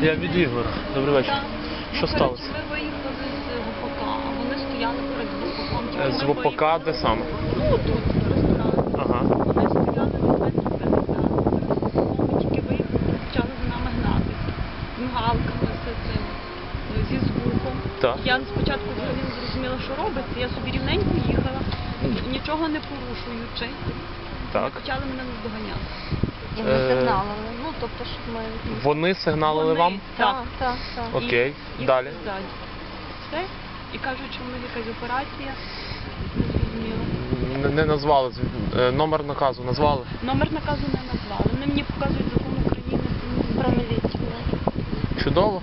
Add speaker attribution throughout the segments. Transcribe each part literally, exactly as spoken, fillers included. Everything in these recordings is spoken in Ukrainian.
Speaker 1: Я від Ігора. Добрий вечір. Що сталося?
Speaker 2: Ми виїхали з ВПК, а вони стояли перед ВПКом.
Speaker 1: З ВПК де саме?
Speaker 2: Ну, тут, ресторан.
Speaker 1: Ага.
Speaker 2: Вони стояли на метрі п'ятдесят. Ми тільки виїхали, почали за нами гнатися. З мигалками, з цим, зі звуком.
Speaker 1: Так.
Speaker 2: Я спочатку взагалі не зрозуміла, що робиться. Я собі рівненько їхала, нічого не порушуючи.
Speaker 1: Так.
Speaker 2: Почали мене наздоганяти.
Speaker 3: І ми
Speaker 1: Е,
Speaker 3: сигналили. Ну, тобто, щоб ми...
Speaker 1: Вони сигналили
Speaker 2: Вони-
Speaker 1: вам?
Speaker 2: Так.
Speaker 3: Так, так, так.
Speaker 1: Окей.
Speaker 2: І,
Speaker 1: Далі?
Speaker 2: І ззаді. Все. І кажуть, що в них якась операція. Не зрозуміло.
Speaker 1: Не, не назвали. Е, Номер наказу назвали?
Speaker 2: Номер наказу не назвали. Вони мені показують закон України
Speaker 3: Про міліцію.
Speaker 1: Чудово.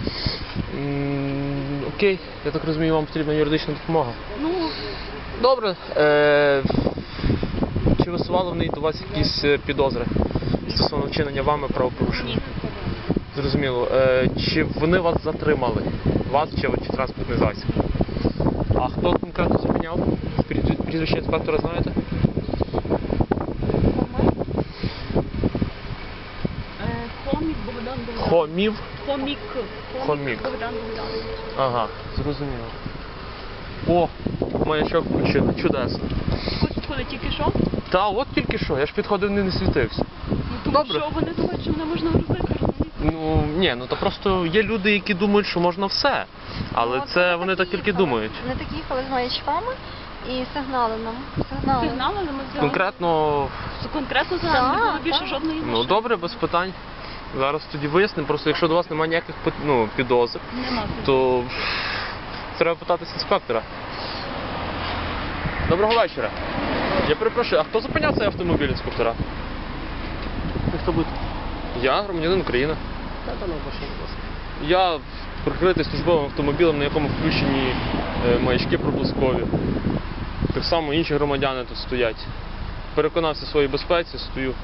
Speaker 1: М, Окей. Я так розумію, вам потрібна юридична допомога.
Speaker 2: Ну,
Speaker 1: Добре. Е, Чи висували вони до вас якісь е, підозри стосовно вчинення вами правопорушення?
Speaker 2: ні.
Speaker 1: Зрозуміло. Е, Чи вони вас затримали? Вас чи, чи транспортний засіб? А хто конкретно зупиняв? Пріз- Прізвище інспектора знаєте?
Speaker 2: Е, Хомік Богдан Богданович.
Speaker 1: Хомів?
Speaker 2: Хомік.
Speaker 1: Хомік.
Speaker 2: Богдан Богданович.
Speaker 1: Ага, зрозуміло. О, маячок включили. Чудесно.
Speaker 2: Хоч коли тільки що?
Speaker 1: Та от тільки що, я ж підходив, не, не світився.
Speaker 2: Ну, тому
Speaker 1: Добре.
Speaker 2: що вони думають, що мене можна грузити, розумієте?
Speaker 1: Ну, ні, ну то просто є люди, які думають, що можна все. Але
Speaker 3: Ну,
Speaker 1: це
Speaker 3: ми
Speaker 1: вони так тільки
Speaker 3: їхали.
Speaker 1: думають.
Speaker 3: Вони так їхали з маячками і сигнали нам. Сигнали.
Speaker 2: Сигнали, але ми взяли.
Speaker 1: Конкретно,
Speaker 2: Конкретно за нами не було
Speaker 3: Так,
Speaker 2: більше
Speaker 3: так.
Speaker 2: жодної машини.
Speaker 1: ну добре, без питань. Зараз тоді вияснимо. Просто якщо до вас немає ніяких пи- ну, підозр,
Speaker 2: Нема.
Speaker 1: то треба питатись інспектора. Доброго вечора. Я перепрошую, а хто зупиняв цей автомобіль інспектора?
Speaker 4: Хто буде?
Speaker 1: Я, громадянин України.
Speaker 4: Та там машина, будь ласка.
Speaker 1: Я прикритий службовим автомобілем, на якому включені е, маячки проблискові. Так само інші громадяни тут стоять. Переконався в своїй безпеці, стою.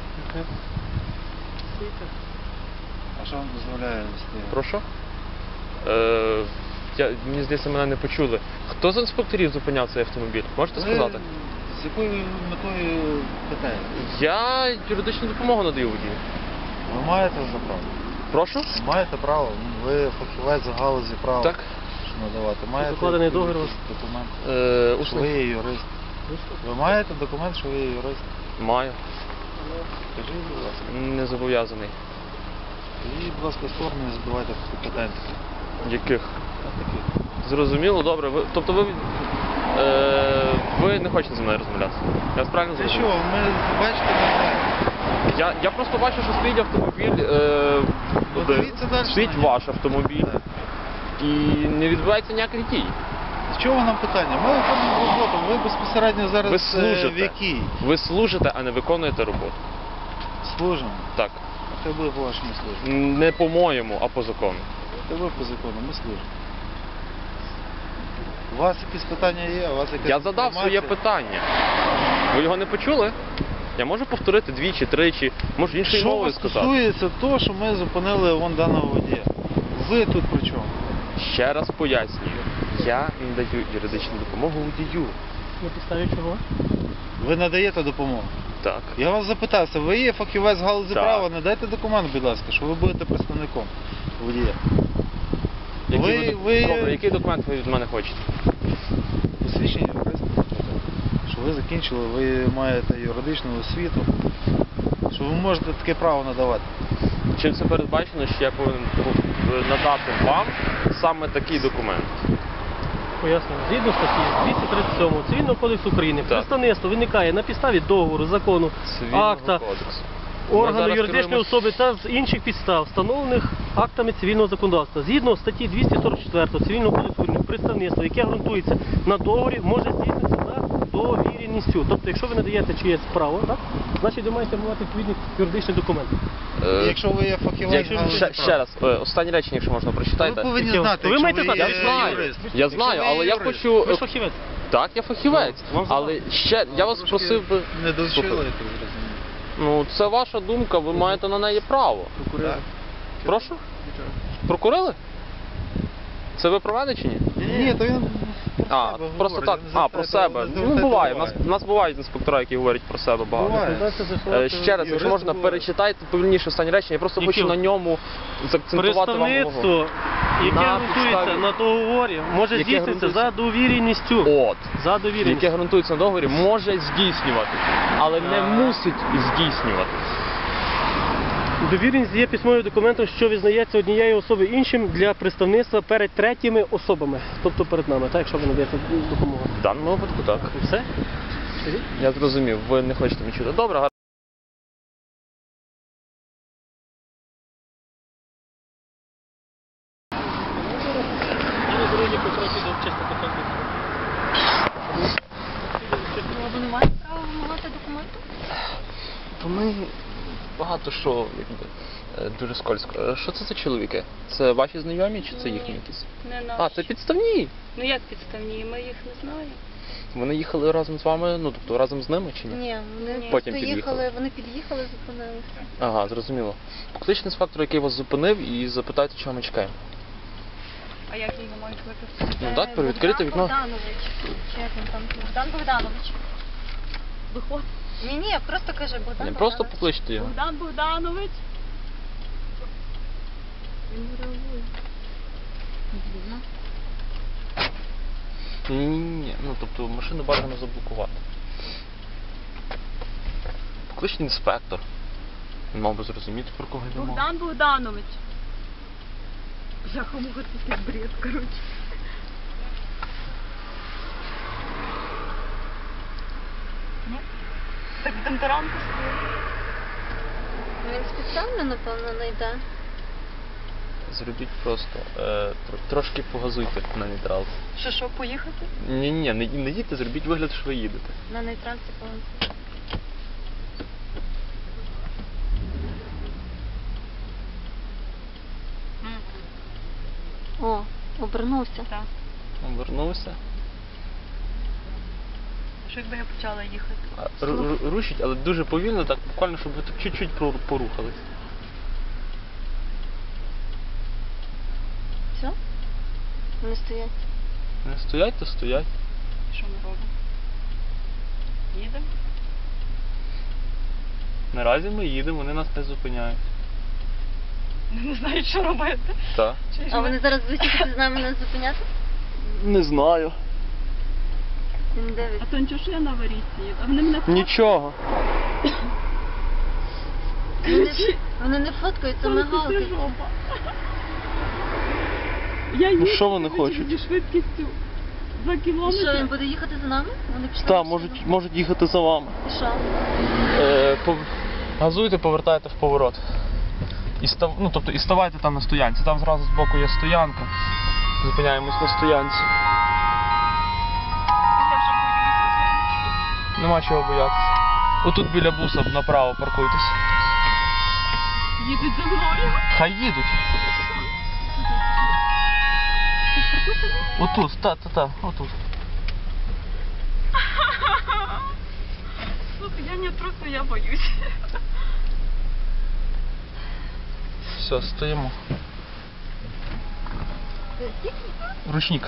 Speaker 5: А що вам дозволяє вести?
Speaker 1: Прошу? Е, я, мені здається, мене не почули. Хто з інспекторів зупиняв цей автомобіль? Можете
Speaker 5: Ви
Speaker 1: сказати?
Speaker 5: З якою метою питаєте?
Speaker 1: Я юридичну допомогу надаю водію.
Speaker 5: Ви маєте за право?
Speaker 1: Прошу?
Speaker 5: Ви маєте право. Ви фахівець з галузі права.
Speaker 1: Так.
Speaker 5: Що надавати. Маєте
Speaker 4: Закладений
Speaker 5: якийсь
Speaker 4: договір у вас?
Speaker 5: документ,
Speaker 1: Е,
Speaker 5: що ви
Speaker 1: усний.
Speaker 5: є юрист. Ви маєте документ, що ви є юрист?
Speaker 1: Маю.
Speaker 5: Скажіть, будь ласка.
Speaker 1: Не зобов'язаний.
Speaker 5: Скажіть, будь ласка, в сторону і задавайте питання.
Speaker 1: Яких?
Speaker 5: Такі.
Speaker 1: Зрозуміло, добре. Ви, тобто ви, е, ви не хочете зі мною розмовляти? Я вас правильно
Speaker 5: Це що,
Speaker 1: зрозумів?
Speaker 5: ми бачите, не знаємо.
Speaker 1: Я, я просто бачу, що стоїть автомобіль, е,
Speaker 5: Ну,
Speaker 1: один.
Speaker 5: дивіться далі
Speaker 1: стоїть
Speaker 5: на нього.
Speaker 1: ваш автомобіль
Speaker 5: Так.
Speaker 1: і не відбувається ніяких дій.
Speaker 5: З чого нам питання? Ми виконуємо роботу, ви безпосередньо зараз
Speaker 1: Ви
Speaker 5: е,
Speaker 1: служите.
Speaker 5: в якій?
Speaker 1: Ви служите, а не виконуєте роботу.
Speaker 5: Служимо.
Speaker 1: Так.
Speaker 5: А хай буде по вашому службі.
Speaker 1: Не по-моєму, а по закону.
Speaker 5: Хай ви по закону, ми служимо. У вас якісь питання є? У вас якась
Speaker 1: Я задав своє
Speaker 5: інформація?
Speaker 1: питання. Ви його не почули? Я можу повторити двічі, тричі, можу іншою
Speaker 5: Що
Speaker 1: мовою
Speaker 5: вас
Speaker 1: сказати.
Speaker 5: стосується того, що ми зупинили вон даного водія? Ви тут при чому?
Speaker 1: Ще раз пояснюю. Я надаю юридичну допомогу водію.
Speaker 4: На підставі чого?
Speaker 5: Ви надаєте допомогу.
Speaker 1: Так.
Speaker 5: Я вас запитався, ви є фахівець з галузі
Speaker 1: Так.
Speaker 5: права, надайте документ, будь ласка, що ви будете представником водія.
Speaker 1: Який
Speaker 5: Ви-
Speaker 1: ви-
Speaker 5: ви-
Speaker 1: Добре, який документ ви від мене хочете?
Speaker 5: Посвідчення юриста, що ви закінчили, ви маєте юридичну освіту, що ви можете таке право надавати.
Speaker 1: Чим це передбачено, що я повинен надати вам саме такий документ?
Speaker 4: Пояснюю. Згідно статті двісті тридцять сьом Цивільного кодексу України,
Speaker 1: Так.
Speaker 4: представництво виникає на підставі договору, закону,
Speaker 1: Цивільного
Speaker 4: акта,
Speaker 1: кодексу. Ми
Speaker 4: органу
Speaker 1: зараз
Speaker 4: юридичної
Speaker 1: керуємось-
Speaker 4: особи та з інших підстав, встановлених актами цивільного законодавства. Згідно статті двісті сорок чотири Цивільного кодексу України, представництво, яке ґрунтується на договорі, може здійснитися за довіреністю. Тобто, якщо ви надаєте чиєсь право, так, значить ви маєте мати відповідний юридичний документ.
Speaker 1: Е,
Speaker 5: Якщо ви є фахівець з
Speaker 1: якщо-
Speaker 5: галузі
Speaker 1: ще,
Speaker 5: права.
Speaker 1: ще раз, е, останнє речення, якщо можна,
Speaker 5: Ви
Speaker 1: прочитайте.
Speaker 5: повинні
Speaker 4: Яке?
Speaker 5: знати,
Speaker 4: Ви
Speaker 5: якщо
Speaker 4: маєте
Speaker 5: ви
Speaker 4: знати,
Speaker 5: є
Speaker 1: Я знаю,
Speaker 5: юрист.
Speaker 1: я
Speaker 5: Якщо
Speaker 1: знаю,
Speaker 5: ви є
Speaker 1: але я
Speaker 5: юрист.
Speaker 1: хочу...
Speaker 4: Ви ж фахівець.
Speaker 1: Так, я фахівець,
Speaker 4: Ну, вам
Speaker 1: але ще, я вас
Speaker 5: Трошки
Speaker 1: просив би...
Speaker 5: Не довчили,
Speaker 1: Слухай,
Speaker 5: я так зрозумів.
Speaker 1: Ну, це ваша думка, ви маєте на неї право.
Speaker 5: Так.
Speaker 1: Прошу? Прокурили? Це ви про мене чи ні?
Speaker 5: Ні, то він
Speaker 1: А,
Speaker 5: себе
Speaker 1: просто
Speaker 5: говорять,
Speaker 1: так,
Speaker 5: не
Speaker 1: а, про
Speaker 5: звертайте-
Speaker 1: себе.
Speaker 5: не
Speaker 1: Ну,
Speaker 5: звертайте
Speaker 1: буває. У нас,
Speaker 5: уваги.
Speaker 1: у нас бувають інспектора, які говорять про себе багато.
Speaker 5: Буває.
Speaker 4: Рекомендація
Speaker 1: Е,
Speaker 4: з'ясувати-
Speaker 1: Ще раз, якщо
Speaker 5: Юристи
Speaker 1: можна,
Speaker 5: бувають.
Speaker 1: перечитайте повільніше останні речення. Я просто
Speaker 4: Які?
Speaker 1: хочу на ньому заакцентувати вам увагу.
Speaker 4: Представництво, яке
Speaker 1: На
Speaker 4: ґрунтується
Speaker 1: підставі-
Speaker 4: на договорі, може
Speaker 1: Яке
Speaker 4: здійснитися
Speaker 1: ґрунтується-
Speaker 4: за довіреністю.
Speaker 1: От.
Speaker 4: За довіреністю.
Speaker 1: Яке ґрунтується на договорі, може здійснювати, але не
Speaker 4: А.
Speaker 1: мусить здійснювати.
Speaker 4: Довіреність є письмовим документом, що визнається однією особою іншим для представництва перед третіми особами, тобто перед нами, так, якщо ви надаєте допомогу.
Speaker 1: В даному випадку так.
Speaker 4: Все? Скажіть?
Speaker 1: Я зрозумів, ви не хочете мені чути. Добре, гаразд.
Speaker 4: Я дорогі попросив до чисто
Speaker 3: Ну, ви не маєте права вимагати документи?
Speaker 1: Вони багато що, якби, е, дуже скользко. Е, Що це за чоловіки? Це ваші знайомі чи це їхні якісь?
Speaker 2: Не наші.
Speaker 1: А, це підставні.
Speaker 2: Ну як підставні, ми їх не знаємо.
Speaker 1: Вони їхали разом з вами, ну тобто разом з ними чи ні?
Speaker 3: Ні, вони
Speaker 2: Ні.
Speaker 1: Потім
Speaker 3: просто
Speaker 1: під'їхали.
Speaker 3: їхали, вони під'їхали, зупинилися.
Speaker 1: Ага, зрозуміло. Покличте інспектора, який вас зупинив, і запитайте, чого ми чекаємо.
Speaker 2: А як його мають викликати?
Speaker 1: Ну так, перевідкрити
Speaker 3: Богдан
Speaker 1: вікно.
Speaker 3: Богданович. Чи як він там? Богдан Богданович.
Speaker 2: Виходь.
Speaker 3: Ні, ні, просто кажи Богдан
Speaker 1: Ні, просто
Speaker 3: Богданович.
Speaker 1: покличте його.
Speaker 2: Богдан Богданович. Він не реагує.
Speaker 3: Дивно.
Speaker 1: Ні, ні, ні. Ну тобто машину бажано заблокувати. Покличте інспектор. Він мав би зрозуміти, про кого йде мова.
Speaker 2: Богдан Богданович. Бляха, муха, це якийсь бред, коротше. Ні? Так там таранку стоїть.
Speaker 3: Він спеціально, напевно, не йде.
Speaker 1: Зробіть просто. Е, тр- трошки погазуйте на нейтралці.
Speaker 2: Що, що, поїхати?
Speaker 1: Ні, ні, не, не їдьте, зробіть вигляд, що ви їдете.
Speaker 3: На нейтральці повинен. О, обернувся.
Speaker 2: Так.
Speaker 1: Обернувся.
Speaker 2: Що якби я почала їхати?
Speaker 1: А, ру- ру- Рушіть, але дуже повільно, так буквально, щоб ви так чуть-чуть прору- порухались.
Speaker 3: Все? Вони стоять.
Speaker 1: Не стоять, то стоять.
Speaker 2: Що ми робимо? Їдемо?
Speaker 1: Наразі ми їдемо, вони нас не зупиняють.
Speaker 2: Не знаю, що робити.
Speaker 1: Так.
Speaker 2: Чи ж
Speaker 3: А
Speaker 2: ми-
Speaker 3: вони зараз будуть з нами нас зупиняти?
Speaker 1: Не знаю.
Speaker 3: Він
Speaker 2: А
Speaker 3: дивиться.
Speaker 2: то нічого, що я на аварійці їду. А вони мене
Speaker 1: Нічого.
Speaker 3: Вони, вони не фоткають, це мигалки.
Speaker 2: жопа. Я їду
Speaker 1: Ну, що вони хочуть?
Speaker 2: зі швидкістю два
Speaker 3: І
Speaker 2: кілометри.
Speaker 3: що, він буде їхати за нами? Вони пішли.
Speaker 1: Так,
Speaker 3: пішли.
Speaker 1: можуть, можуть їхати за вами.
Speaker 3: І що?
Speaker 1: Е, пов... Газуйте, повертайте в поворот. І став... ну, тобто, і ставайте там на стоянці. Там зразу збоку є стоянка. Зупиняємось на стоянці.
Speaker 2: Я вже боюся.
Speaker 1: Нема чого боятися. Отут біля буса направо паркуйтесь.
Speaker 2: Їдуть за мною.
Speaker 1: Хай їдуть. Отут, та-та-та, отут.
Speaker 2: Слухай, я не трусу, я боюсь.
Speaker 1: Все, стоїмо. Ручник.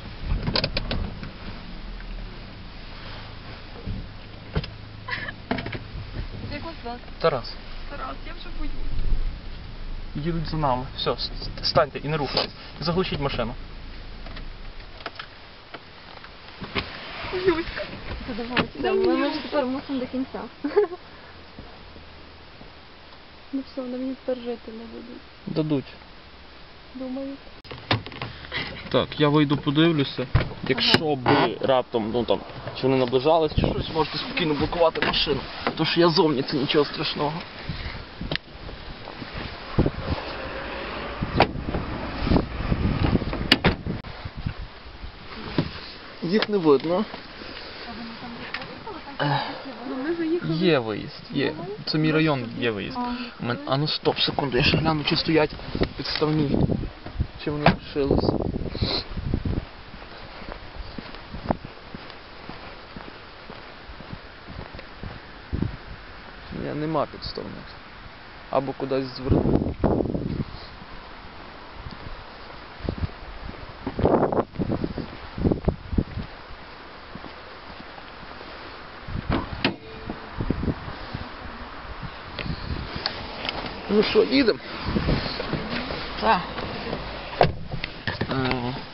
Speaker 2: Як вас звати?
Speaker 1: Тарас.
Speaker 2: Тарас, я вже боюсь.
Speaker 1: Їдуть за нами. Все, с- станьте і не рухайтесь. Заглушіть машину.
Speaker 2: Боюська.
Speaker 3: Давайте. Ми, ми ж тепер мусимо до кінця.
Speaker 2: Ну все, вони мені тепер жити не будуть.
Speaker 1: Дадуть.
Speaker 2: Думаю.
Speaker 1: Так, я вийду подивлюся. Якщо би раптом, ну там, чи вони наближались, чи щось, можете спокійно блокувати машину. Тож я зовні, це нічого страшного. Їх не видно.
Speaker 2: Ну ми заїхали.
Speaker 1: Є виїзд, є. Це мій район, є виїзд. У мене- А ну стоп, секунду, я ще гляну, чи стоять підставні. Чи вони лишилися. Ні, нема підставних. Або кудись звернув. Ну що, їдемо?
Speaker 3: Так.
Speaker 1: Ага.